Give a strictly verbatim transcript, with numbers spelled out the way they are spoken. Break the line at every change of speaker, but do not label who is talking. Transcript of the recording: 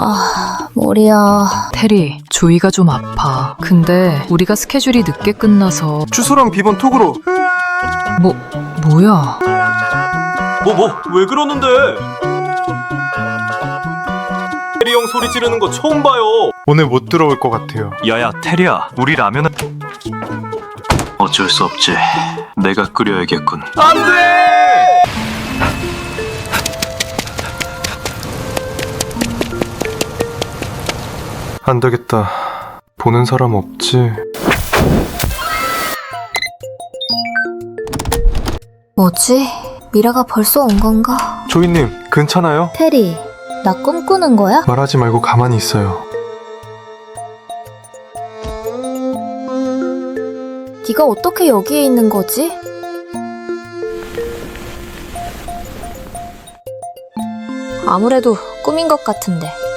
아, 머리야.
테리, 조이가 좀 아파. 근데 우리가 스케줄이 늦게 끝나서.
주소랑 비번 톡으로.
뭐, 뭐야?
뭐 뭐 왜 그러는데? 테리 형 소리 지르는 거 처음 봐요. 오늘 못 들어올 것 같아요.
야야 테리야, 우리 라면은 어쩔 수 없지. 내가 끓여야겠군.
안 돼! 안 되겠다. 보는 사람 없지.
뭐지? 미라가 벌써 온 건가?
조이님, 괜찮아요?
테리, 나 꿈꾸는 거야?
말하지 말고 가만히 있어요.
네가 어떻게 여기에 있는 거지? 아무래도 꿈인 것 같은데.